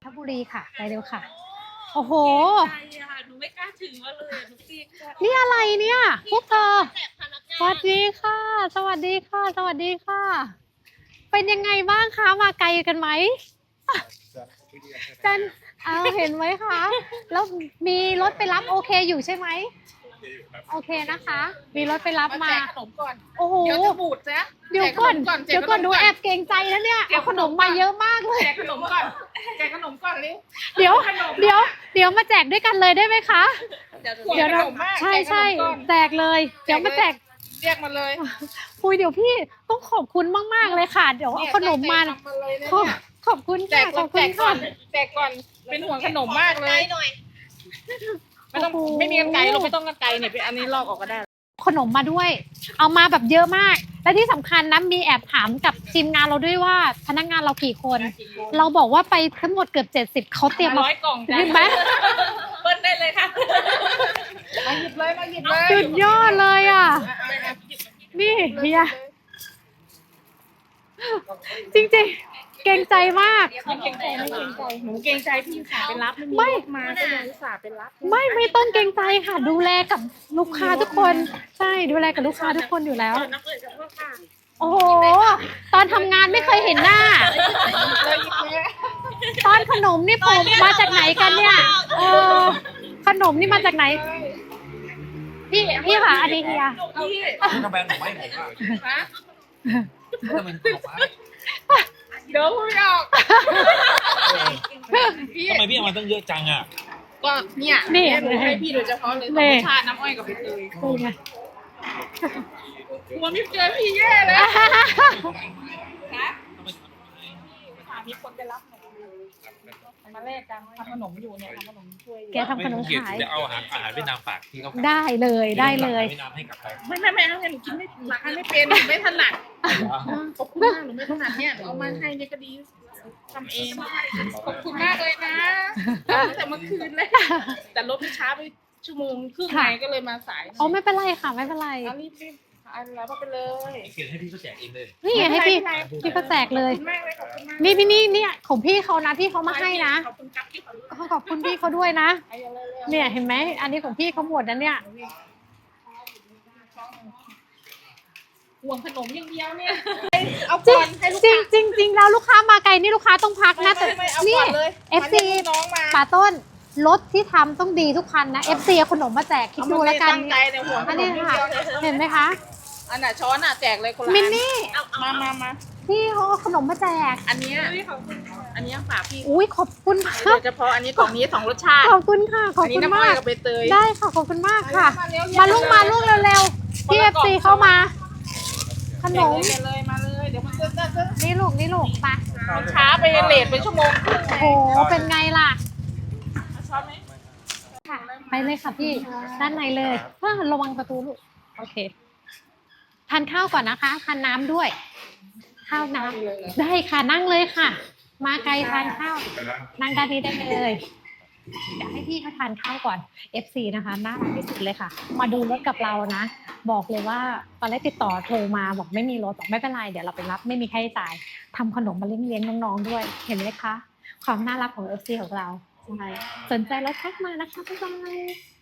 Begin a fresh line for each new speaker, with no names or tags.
ทบุรีค่ะไปเร็วค่ะโอ้โห
หนูไม่กล้าถือมาเลยหนูเกรงใจ
นี่อะไรเนี่ยพวกเธอสวัสดีค่ะ สวัสดีค่ะ สวัสดีค่ะ เป็นยังไงบ้างคะมาไกลกันไหมจันเห็นไหมคะแล้วมีรถไปรับโอเคอยู่ใช่ไหมโอเคนะคะ มีรถไปรับมา
แจกขนมก่อน
โอ้โห
เดี๋ยวจะบูดซะ
เดี๋ยวก่อน
แจกขม
ดูแอบเกรงใจแล้วเนี่ยเอาขนมมาเยอะมากเลย
แจกขนมก่อนแจกขนมก่อนเร็ว
เดี๋ยวมาแจกด้วยกันเลยได้ไหมคะ
เดี๋ยว
นะ
ขนมมาก
ใช่
แจกขนมก่อน
แจกเลย เดี๋ยวมาแจก
เรียกมาเลย
คุยเดี๋ยวพี่ต้องขอบคุณมากๆเลยค่ะ เดี๋ยวเอาขนมมา
แจกเลยนะ
ขอบคุณ
แจ
ค่ะ
ก
ขอบคุ
แจ
ณ
กก่อ
ค่ะ
นแจกก่อนเป็นห่วงขนมมากเลยไม่ต้อง
โอ้โห
ไม่มีกันไกลเราไม่ต้องกันไกลเนี่ยอันนี้ลอกออกก็ได้
ขนมมาด้วย เอามาแบบเยอะมาก และที่สำคัญนะมีแอบถามกับทีมงานเราด้วยว่าพนักงานเรากี่คน เราบอกว่าไปทั้งหมดเกือบ70เขาเตรียมมา
100 กล่องจ้ะ
เห็นไหม
เปิ้ลได้เลยค่ะมาหยิบเลยมาหยิบเลย
สุดยอดเลยอ่ะ นี่เฮียจริงๆ เกรงใจมาก
ไม่เกรงใจไม่เกรงใจหนูเกรงใจพี่สาวไปรับ
ไม่
มาก็เลยอุตส่าห์ไปรับ
ไม่ต้องเกรงใจค่ะ ดูแลกับลูกค้าทุกคน ใช่ดูแลกับลูกค้าทุกคนอยู่แล้ว
นักเรียนกับพ่อค่ะ
โอ้โห ตอนทำงานไม่เคยเห็นหน้า
เลยหยิบเลย
ตอนขนมนี่ผมมาจากไหนกันเนี่ยเออขนมนี่มาจากไหน พี่ค่ะอันนี้เฮีย
พี่
ทำไมหนูไม่ผมอ่ะ
ฮะ
ทำไมหนูฟ้า
เดี๋ยวไม่ออกพี่
ทำไมพี่เอามาตั้งเยอะจังอ่ะ
ก็เนี่ย
นี่
หนูให้พี่โดยเฉพาะเลย
นี่
ธรรมชาติน้ำอ้อยกับใบเตย
เป็นไง
กลัวไม่เจอพี่แย่เลยนะถามมีคนไปรับหนูมาแลกกันทำขนมอยู่เนี่ยทำขนมช่วยอยู่
แกทำขนมขาย
จะเอาอาหารเวียดนามฝากที่เขา
ได้เลยได้เลย
เวียดนามให้กับใคร
ไม่เอาหนูกินไม่หลักไม่เป็นไม่ถนัดขอบคุณมากหนูไม่ถนัดเนี่ยเอามาให้เนี่ยก็ดีทำเองขอบคุณมากเลยนะตั้งแต่เมื่อคืนเลยแต่รถมันช้าไปชั่วโมงครึ่งไงก็เลยมาสาย
อ๋อไม่เป็นไรค่ะไม่เป็นไร
เอารีบอันแล้วก็ไปเลย
เขียนให้พี่เขาแจกเองเลย
นี่ให้พี่เขาแจกเลย
ขอบคุณมากเลยขอบคุณมาก
นี่เนี่ยของพี่เขานะพี่เขามาให้นะ
ขอบคุณครับที่ขอรู้
ขอบคุณพี่เขาด้วยนะ
ไอ้เร็วๆ
เนี่ยเห็นไหมอันนี้ของพี่เขาหมดนะเนี่ย
ห่วงขนมอย่างเดียวเนี่ยเอา
จริ
ก่
ง
อนให้ลูก
จริงแล้วลูกค้ามาไกลนี่ลูกค้าต้องพักนะแต่
ไม่เอา
นี่
ก่อนเลย
FC
น้องมา
ป่าต้นรถที่ทำต้องดีทุกคันนะ FC เอาขนมมาแจกคิดดูแล้วกัน
ตั้งใจเนี่ยห่วงข
อัน
น
นี้
มอย่าง
ค่ะ
เดียวเลย
เห็นไหมคะ
อันน่ะช้อนอ่ะแจกเลยคนละ
มิน
อัน
นี่
มา
พี่เขาเอาขนมมาแจก
อันเนี้ยอันเนี้ยฝากพี่
อุ้ยขอบคุณมา
โด
ก
ยเฉพาะอันนี้ของนี้สองรสชาติ
ขอบคุณค่ะขอบ
อันนี้
คุณ
น้ำอ้อ
มาย ก
กับใบเตย
ได้ค่ะขอบคุณมากค่ะ
เร็วๆ
มาลุกเร็วๆพี่ FC เข้ามา ขนม
มาเลยเดี๋ยวมันจะ
นี่ลูกไป
มันช้าไปเลทไปชั่วโมงครึ่ง
โอ้โหเป็นไงล่ะ
ช้อนไหม
ค่ะไปเลยค่ะพี่ด้านในเลยระวังประตูลูกโอเคทานข้าวก่อนนะคะทานน้ำด้วย ข้าวน้ำได้ค่ะนั่งเลยค่ะ มาไกลทานข้าวนั่งด้านนี้ได้เลยเดี๋ยวให้พี่เขาทานข้าวก่อน FC นะคะน่ารักที่สุดเลยค่ะ มาดูรถกับเรานะ บอกเลยว่าตอนแรกติดต่อโทรมาบอกไม่มีรถบอกไม่เป็นไรเดี๋ยวเราไปรับไม่มีค่าใช้จ่ายทำขนมมาเลี้ยงน้องๆด้วย เห็นไหมคะความน่ารักของ FC ของเราใช่สนใจแล้วทักมานะคะบ๊ายบาย